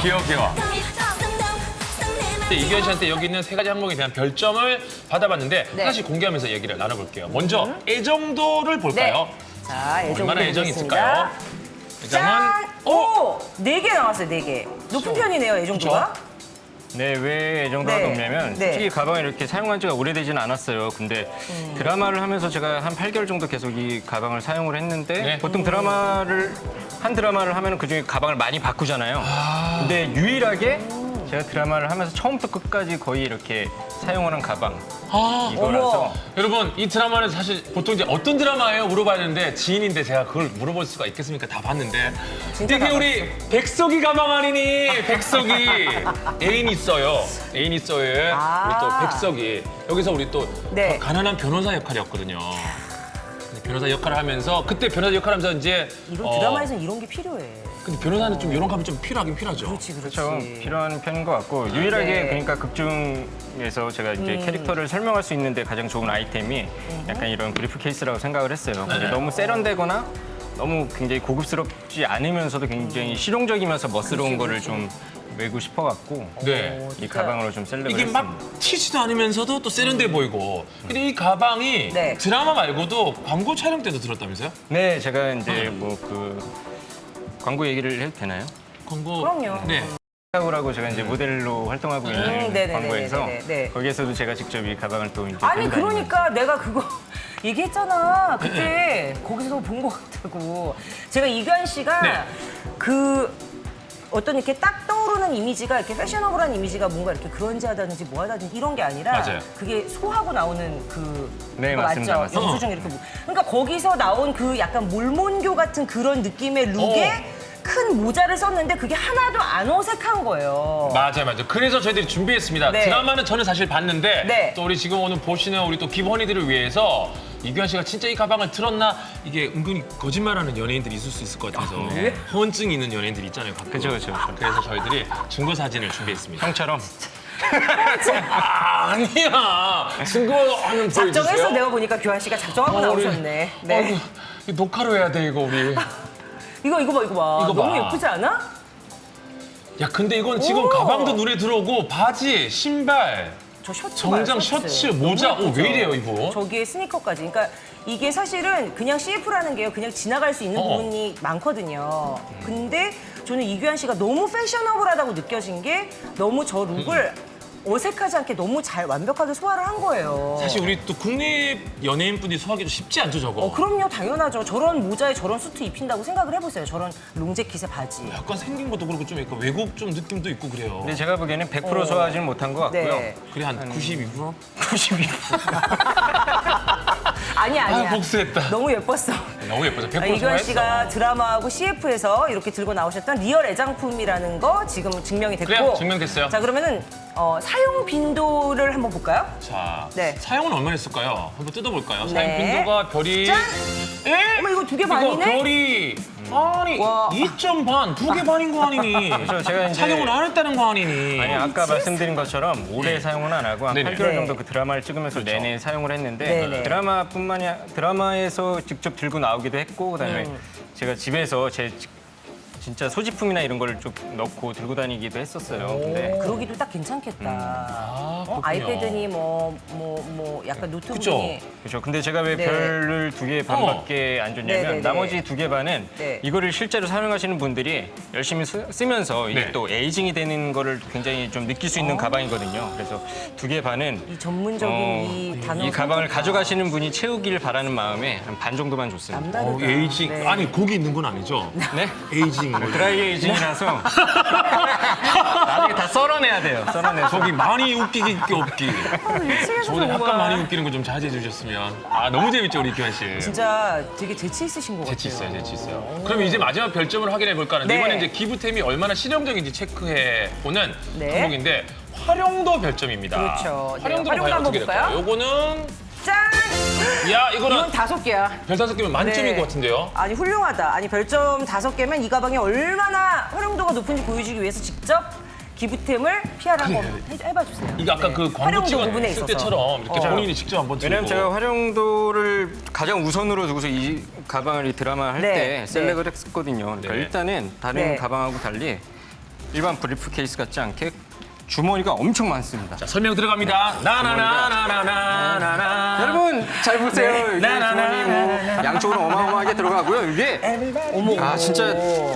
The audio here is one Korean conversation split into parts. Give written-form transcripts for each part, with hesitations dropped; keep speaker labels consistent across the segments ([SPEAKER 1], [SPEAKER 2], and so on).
[SPEAKER 1] 귀여워. 이규현 씨한테 여기 있는 세 가지 항목에 대한 별점을 받아봤는데
[SPEAKER 2] 네.
[SPEAKER 1] 하나씩 공개하면서 얘기를 나눠볼게요. 먼저 애정도를 볼까요?
[SPEAKER 2] 자, 애정
[SPEAKER 1] 얼마나 애정이
[SPEAKER 2] 드리겠습니다.
[SPEAKER 1] 있을까요? 애정은
[SPEAKER 2] 짠! 오! 4개 나왔어요, 4개. 높은 편이네요, 애정도가.
[SPEAKER 3] 네, 왜 애정도가
[SPEAKER 2] 네.
[SPEAKER 3] 높냐면
[SPEAKER 2] 네.
[SPEAKER 3] 솔직히 가방을 이렇게 사용한 지가 오래되진 않았어요. 근데 드라마를 하면서 제가 한 8개월 정도 계속 이 가방을 사용을 했는데
[SPEAKER 1] 네.
[SPEAKER 3] 보통 한 드라마를 하면 그중에 가방을 많이 바꾸잖아요. 근데 유일하게 제가 드라마를 하면서 처음부터 끝까지 거의 이렇게 사용을 한 가방 이거라서
[SPEAKER 2] 어머.
[SPEAKER 1] 여러분 이 드라마는 사실 보통 이제 어떤 드라마예요? 물어봐야 되는데 지인인데 제가 그걸 물어볼 수가 있겠습니까? 다 봤는데
[SPEAKER 2] 진짜
[SPEAKER 1] 이게
[SPEAKER 2] 다
[SPEAKER 1] 우리 백석이 가방 아니니? 백석이 애인 있어요. 애인 있어요에 우리 또 백석이 여기서 우리 또
[SPEAKER 2] 네.
[SPEAKER 1] 가난한 변호사 역할이었거든요. 근데 변호사 역할을 하면서 그때 변호사 역할하면서 이제
[SPEAKER 2] 이런 드라마에서는 이런 게 필요해.
[SPEAKER 1] 근데 변호사는 좀 이런 감이 좀 필요하긴 필요하죠.
[SPEAKER 2] 그렇지, 그렇지.
[SPEAKER 3] 그렇죠. 필요한 편인 것 같고 유일하게
[SPEAKER 2] 네.
[SPEAKER 3] 그러니까 극중에서 제가 이제 캐릭터를 설명할 수 있는데 가장 좋은 아이템이 약간 이런 브리프 케이스라고 생각을 했어요. 근데 너무 세련되거나 너무 굉장히 고급스럽지 않으면서도 굉장히 실용적이면서 멋스러운 거를 좀 메고 싶어갖고
[SPEAKER 1] 네.
[SPEAKER 3] 이 가방으로 좀 셀렉을
[SPEAKER 1] 이게
[SPEAKER 3] 했습니다.
[SPEAKER 1] 막 튀지도 않으면서도 또 세련돼 보이고. 근데 이 가방이
[SPEAKER 2] 네.
[SPEAKER 1] 드라마 말고도 광고 촬영 때도 들었다면서요?
[SPEAKER 3] 네, 제가 이제 뭐 그 광고 얘기를 해도 되나요?
[SPEAKER 1] 광고.
[SPEAKER 2] 그럼요.
[SPEAKER 1] 네.
[SPEAKER 3] 라고 제가 이제 모델로 활동하고 있는
[SPEAKER 2] 네네네네네네.
[SPEAKER 3] 광고에서
[SPEAKER 2] 네.
[SPEAKER 3] 거기에서도 제가 직접 이 가방을 또 이제
[SPEAKER 2] 아니,
[SPEAKER 3] 들고 다니면서
[SPEAKER 2] 그러니까 내가 그거 얘기했잖아. 그때 거기서 본 것 같다고. 제가 이규환 씨가
[SPEAKER 1] 네.
[SPEAKER 2] 그 어떤 이렇게 딱 떠오르는 이미지가 이렇게 패셔너블한 이미지가 뭔가 이렇게 그런지하다든지 뭐하다든지 이런 게 아니라
[SPEAKER 1] 맞아요.
[SPEAKER 2] 그게 소하고 나오는 그
[SPEAKER 3] 네,
[SPEAKER 2] 그거
[SPEAKER 3] 맞습니다,
[SPEAKER 2] 맞죠?
[SPEAKER 3] 맞습니다.
[SPEAKER 2] 영수증 이렇게 그러니까 거기서 나온 그 약간 몰몬교 같은 그런 느낌의 룩에 큰 모자를 썼는데 그게 하나도 안 어색한 거예요.
[SPEAKER 1] 맞아요. 그래서 저희들이 준비했습니다.
[SPEAKER 2] 네.
[SPEAKER 1] 드라마는 저는 사실 봤는데
[SPEAKER 2] 네.
[SPEAKER 1] 또 우리 지금 오늘 보시는 우리 또 기본이들을 위해서 이규현 씨가 진짜 이 가방을 틀었나 이게 은근히 거짓말하는 연예인들이 있을 수 있을 것 같아서 허언증이 있는 연예인들이 있잖아요. 가끔.
[SPEAKER 3] 그죠.
[SPEAKER 1] 그래서 저희들이 증거 사진을 준비했습니다.
[SPEAKER 3] 형처럼
[SPEAKER 1] 아니야. 증거는
[SPEAKER 2] 작정해서
[SPEAKER 1] 보여주세요.
[SPEAKER 2] 내가 보니까 규환 씨가 작정하고
[SPEAKER 1] 우리-
[SPEAKER 2] 나오셨네. 네.
[SPEAKER 1] 아이고, 이 녹화로 해야 돼 이거 우리.
[SPEAKER 2] 이거 봐.
[SPEAKER 1] 이거
[SPEAKER 2] 너무
[SPEAKER 1] 봐.
[SPEAKER 2] 예쁘지 않아?
[SPEAKER 1] 야 근데 이건 지금
[SPEAKER 2] 오.
[SPEAKER 1] 가방도 눈에 들어오고 바지, 신발,
[SPEAKER 2] 저 셔츠
[SPEAKER 1] 정장,
[SPEAKER 2] 봐요,
[SPEAKER 1] 셔츠,
[SPEAKER 2] 너무
[SPEAKER 1] 모자. 오,
[SPEAKER 2] 예쁘죠?
[SPEAKER 1] 왜 이래요 이거?
[SPEAKER 2] 저기에 스니커까지. 그러니까 이게 사실은 그냥 CF라는 게요. 그냥 지나갈 수 있는 부분이 많거든요. 근데 저는 이규환 씨가 너무 패셔너블하다고 느껴진 게 너무 저 룩을 어색하지 않게 너무 잘 완벽하게 소화를 한 거예요.
[SPEAKER 1] 사실 우리 또 국내 연예인분들이 소화하기도 쉽지 않죠 저거.
[SPEAKER 2] 그럼요, 당연하죠. 저런 모자에 저런 수트 입힌다고 생각을 해보세요. 저런 롱재킷에 바지.
[SPEAKER 1] 약간 생긴 것도 그렇고 좀 약간 외국 좀 느낌도 있고 그래요.
[SPEAKER 3] 근데 제가 보기에는 100% 소화하지는 못한 것 같고요.
[SPEAKER 2] 네.
[SPEAKER 1] 그래 한 92%?
[SPEAKER 3] 92%.
[SPEAKER 2] 아니야.
[SPEAKER 1] 아 복수했다.
[SPEAKER 2] 너무 예뻤어.
[SPEAKER 1] 너무 예쁘죠. 100%
[SPEAKER 2] 이규환
[SPEAKER 1] 소화했어.
[SPEAKER 2] 씨가 드라마하고 CF에서 이렇게 들고 나오셨던 리얼 애장품이라는 거 지금 증명이 됐고.
[SPEAKER 1] 그래요, 증명됐어요.
[SPEAKER 2] 자, 그러면은 사용 빈도를 한번 볼까요?
[SPEAKER 1] 자,
[SPEAKER 2] 네.
[SPEAKER 1] 사용은 얼마나 했을까요? 한번 뜯어볼까요? 사용
[SPEAKER 2] 네.
[SPEAKER 1] 빈도가 별이
[SPEAKER 2] 짠!
[SPEAKER 1] 에?
[SPEAKER 2] 어머, 이거 2개
[SPEAKER 1] 이거
[SPEAKER 2] 반이네?
[SPEAKER 1] 별이 아니
[SPEAKER 2] 와.
[SPEAKER 1] 2점 반, 2개 반인 거 아니니?
[SPEAKER 3] 그렇죠. 제가 이제-
[SPEAKER 1] 사용을 안 했다는 거 아니니?
[SPEAKER 3] 아니 아까 말씀드린 것처럼 오래 사용은 안 하고 한
[SPEAKER 1] 네네.
[SPEAKER 3] 8개월
[SPEAKER 2] 네.
[SPEAKER 3] 정도 그 드라마를 찍으면서 내내 사용을 했는데
[SPEAKER 2] 네네.
[SPEAKER 3] 드라마에서 직접 들고 나오기도 했고 그다음에 제가 집에서 진짜 소지품이나 이런 걸 좀 넣고 들고 다니기도 했었어요. 근데
[SPEAKER 2] 그러기도 딱 괜찮겠다.
[SPEAKER 1] 그렇군요.
[SPEAKER 2] 아이패드니 약간 노트북이.
[SPEAKER 3] 그렇죠. 근데 제가 왜
[SPEAKER 2] 네.
[SPEAKER 3] 별을 2개 반밖에 안 줬냐면
[SPEAKER 2] 네네네.
[SPEAKER 3] 나머지 2개 반은
[SPEAKER 2] 네.
[SPEAKER 3] 이거를 실제로 사용하시는 분들이 열심히 쓰면서 이게
[SPEAKER 1] 네.
[SPEAKER 3] 또 에이징이 되는 거를 굉장히 좀 느낄 수 있는 가방이거든요. 그래서 2개 반은
[SPEAKER 2] 이 전문적인 이 단어.
[SPEAKER 3] 이 가방을
[SPEAKER 2] 선택과
[SPEAKER 3] 가져가시는 분이 채우길 바라는 마음에 한 반 정도만 줬습니다.
[SPEAKER 2] 남다르다.
[SPEAKER 1] 에이징.
[SPEAKER 2] 네.
[SPEAKER 1] 아니 거기 있는 건 아니죠?
[SPEAKER 3] 네?
[SPEAKER 1] 에이징. 뭐.
[SPEAKER 3] 드라이 에이징이라서 나중에 다 썰어내야 돼요. 썰어내서.
[SPEAKER 1] 저기 많이 웃기기 없기.
[SPEAKER 2] 미치겠어,
[SPEAKER 1] 저번에
[SPEAKER 2] 정말.
[SPEAKER 1] 약간 많이 웃기는 거 좀 자제해 주셨으면. 아 너무 재밌죠 우리 기환 씨.
[SPEAKER 2] 진짜 되게 재치 있으신 것 같아요.
[SPEAKER 1] 재치 있어요, 재치 있어요. 그럼 이제 마지막 별점을 확인해 볼까 하는데
[SPEAKER 2] 네.
[SPEAKER 1] 이번에 이제 기부템이 얼마나 실용적인지 체크해 보는
[SPEAKER 2] 네.
[SPEAKER 1] 항목인데 활용도 별점입니다.
[SPEAKER 2] 그렇죠. 네,
[SPEAKER 1] 활용도는
[SPEAKER 2] 활용도
[SPEAKER 1] 과연
[SPEAKER 2] 한번
[SPEAKER 1] 어떻게 될까요?
[SPEAKER 2] 볼까요?
[SPEAKER 1] 요거는
[SPEAKER 2] 짠!
[SPEAKER 1] 야 이거는
[SPEAKER 2] 이건 5개야.
[SPEAKER 1] 별 5개면 만점인
[SPEAKER 2] 네.
[SPEAKER 1] 것 같은데요.
[SPEAKER 2] 아니 훌륭하다. 아니 별점 5개면 이 가방이 얼마나 활용도가 높은지 보여주기 위해서 직접 기부템을 PR 한번 해봐 주세요.
[SPEAKER 1] 이게 아까
[SPEAKER 2] 네.
[SPEAKER 1] 그 광고
[SPEAKER 2] 활용도
[SPEAKER 1] 찍었을
[SPEAKER 2] 부분에 있어서.
[SPEAKER 1] 때처럼 이렇게 본인이 직접 한번 들고.
[SPEAKER 3] 왜냐면 제가 활용도를 가장 우선으로 두고서 이 가방을 이 드라마 할
[SPEAKER 2] 네,
[SPEAKER 3] 때
[SPEAKER 2] 네.
[SPEAKER 3] 셀렉을 했었거든요. 그러니까
[SPEAKER 1] 네.
[SPEAKER 3] 일단은 다른
[SPEAKER 2] 네.
[SPEAKER 3] 가방하고 달리 일반 브리프케이스 같지 않게 주머니가 엄청 많습니다.
[SPEAKER 1] 자, 설명 들어갑니다. 나나나나나나나나.
[SPEAKER 3] 여러분 잘 보세요. 이게 주머니 뭐 양쪽으로 어마어마하게 들어가고요. 이게 진짜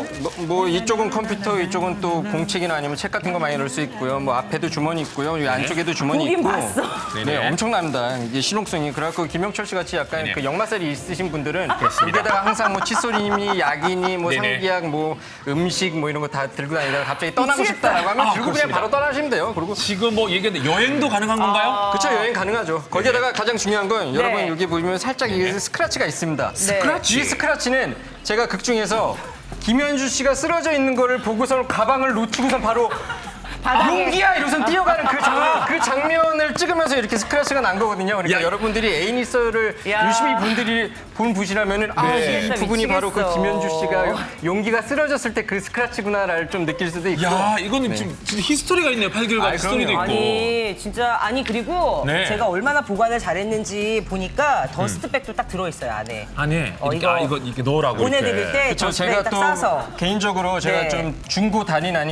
[SPEAKER 3] 뭐 이쪽은 컴퓨터, 이쪽은 또 공책이나 아니면 책 같은 거 많이 넣을 수 있고요. 뭐 앞에도 주머니 있고요. 이 안쪽에도 주머니
[SPEAKER 2] 보긴
[SPEAKER 3] 있고.
[SPEAKER 2] 봤어.
[SPEAKER 3] 네, 엄청납니다. 이게 실용성이. 그래갖고 김영철 씨 같이 약간
[SPEAKER 1] 네네.
[SPEAKER 3] 그 역마살이 있으신 분들은 여기다가 항상 뭐 칫솔이니 약이니 뭐
[SPEAKER 1] 네네.
[SPEAKER 3] 상기약 뭐 음식 뭐 이런 거 다 들고 다니다가 갑자기 떠나고
[SPEAKER 2] 미치겠다.
[SPEAKER 3] 싶다라고 하면 들고 그냥
[SPEAKER 1] 그렇습니다.
[SPEAKER 3] 바로 떠나시면 돼요. 그리고
[SPEAKER 1] 지금 뭐 얘기했는데 여행도 가능한 건가요?
[SPEAKER 3] 그쵸, 여행 가능하죠. 거기에다가 가장 중요한 건 여러분
[SPEAKER 2] 네.
[SPEAKER 3] 여기 보시면 살짝 이게 스크래치가 있습니다.
[SPEAKER 1] 스크래치?
[SPEAKER 3] 이 스크래치는 제가 극 중에서 김현주 씨가 쓰러져 있는 거를 보고서 가방을 놓치고선 바로
[SPEAKER 2] 바닥에.
[SPEAKER 3] 용기야 이러고선 뛰어가는 그 장면을 찍으면서 이렇게 스크래치가 난 거거든요. 그러니까
[SPEAKER 1] 야.
[SPEAKER 3] 여러분들이 애니서를
[SPEAKER 2] 야.
[SPEAKER 3] 유심히 분들이 보시라면은 이 부분이 바로 그
[SPEAKER 2] 미치겠어.
[SPEAKER 3] 김현주 씨가 용기가 쓰러졌을 때 그 스크래치구나를 좀 느낄 수도 있고.
[SPEAKER 1] 야, 이거는 지금 진짜 히스토리가 있네요. 8개월 같은 스토리도 있고.
[SPEAKER 2] 아니 진짜 그리고
[SPEAKER 1] 네.
[SPEAKER 2] 제가 얼마나 보관을 잘했는지 보니까 더스트백도 딱 들어있어요 안에.
[SPEAKER 1] 안에
[SPEAKER 2] 이거
[SPEAKER 1] 이거 이렇게 넣으라고
[SPEAKER 2] 보내드릴
[SPEAKER 1] 이렇게.
[SPEAKER 2] 때
[SPEAKER 3] 그렇죠.
[SPEAKER 2] 더스트백
[SPEAKER 3] 제가
[SPEAKER 2] 딱
[SPEAKER 3] 또
[SPEAKER 2] 싸서.
[SPEAKER 3] 개인적으로 제가
[SPEAKER 2] 네.
[SPEAKER 3] 좀 중고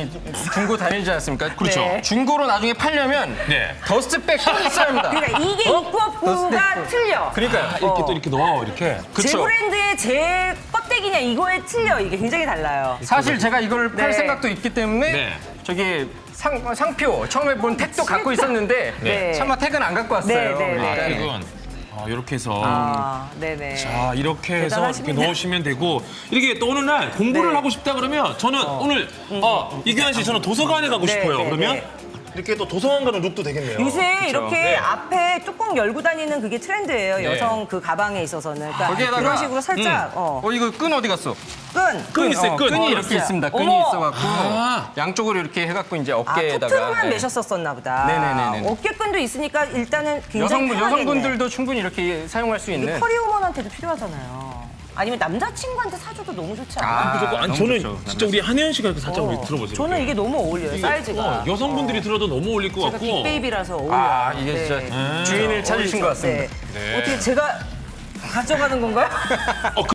[SPEAKER 3] 다니지 않습니까?
[SPEAKER 1] 그렇죠.
[SPEAKER 2] 네.
[SPEAKER 3] 중고로 나중에 팔려면
[SPEAKER 1] 네.
[SPEAKER 3] 더스트백 꼭 있어야 합니다.
[SPEAKER 2] 그러니까 이게 입법부가 틀려.
[SPEAKER 3] 그러니까요.
[SPEAKER 1] 이렇게 또 이렇게 넣어 이렇게.
[SPEAKER 2] 제
[SPEAKER 3] 그쵸.
[SPEAKER 2] 브랜드의 제 껍데기냐 이거에 틀려. 이게 굉장히 달라요.
[SPEAKER 3] 사실 제가 이걸 팔
[SPEAKER 2] 네.
[SPEAKER 3] 생각도 있기 때문에
[SPEAKER 1] 네.
[SPEAKER 3] 저기 상표 처음에 본 택도 갖고 있었는데
[SPEAKER 2] 네.
[SPEAKER 3] 차마 택은 안 갖고 왔어요.
[SPEAKER 2] 네, 네,
[SPEAKER 3] 그러니까
[SPEAKER 2] 네.
[SPEAKER 1] 이건 이렇게 해서.
[SPEAKER 2] 네네.
[SPEAKER 1] 자, 이렇게 해서 이렇게
[SPEAKER 2] 대단하십니다.
[SPEAKER 1] 넣으시면 되고 이렇게 또 어느 날 공부를
[SPEAKER 2] 네.
[SPEAKER 1] 하고 싶다 그러면 저는 오늘 이규환 씨 저는 도서관에 가고
[SPEAKER 2] 네,
[SPEAKER 1] 싶어요.
[SPEAKER 2] 네,
[SPEAKER 1] 그러면
[SPEAKER 2] 네.
[SPEAKER 1] 이렇게 또 도서관 가는 룩도 되겠네요.
[SPEAKER 2] 요새 이렇게
[SPEAKER 1] 네.
[SPEAKER 2] 앞에 뚜껑 열고 다니는 그게 트렌드예요. 여성 그 가방에 있어서는. 그러니까
[SPEAKER 3] 거기에다가
[SPEAKER 2] 그런 식으로 살짝
[SPEAKER 3] 이거 끈 어디 갔어?
[SPEAKER 1] 끈 있어요, 끈.
[SPEAKER 3] 끈이 이렇게
[SPEAKER 2] 진짜.
[SPEAKER 3] 있습니다. 끈이
[SPEAKER 2] 어머.
[SPEAKER 3] 있어갖고 양쪽으로 이렇게 해갖고 이제 어깨에다가.
[SPEAKER 2] 토트로만
[SPEAKER 3] 네.
[SPEAKER 2] 매셨었나 보다.
[SPEAKER 3] 네네네네.
[SPEAKER 2] 어깨끈도 있으니까 일단은 굉장히 편하겠네.
[SPEAKER 3] 여성분들도 충분히 이렇게 사용할 수 있는.
[SPEAKER 2] 커리어먼한테도 필요하잖아요. 아니면 남자친구한테 사줘도 너무 좋지 않아요?
[SPEAKER 1] 무조건. 아니
[SPEAKER 3] 너무
[SPEAKER 1] 저는
[SPEAKER 3] 좋죠.
[SPEAKER 1] 진짜 우리 한혜연 씨가 이렇게 살짝 우리 들어보세요.
[SPEAKER 2] 저는 이게 너무 어울려요,
[SPEAKER 1] 이게,
[SPEAKER 2] 사이즈가.
[SPEAKER 1] 여성분들이 들어도 너무 어울릴 것
[SPEAKER 2] 제가
[SPEAKER 1] 같고.
[SPEAKER 2] 빅베이비라서 어울려요.
[SPEAKER 3] 이게
[SPEAKER 2] 네.
[SPEAKER 3] 진짜 주인을 찾으신 것 같습니다.
[SPEAKER 2] 네. 어떻게 제가 가져가는 건가요?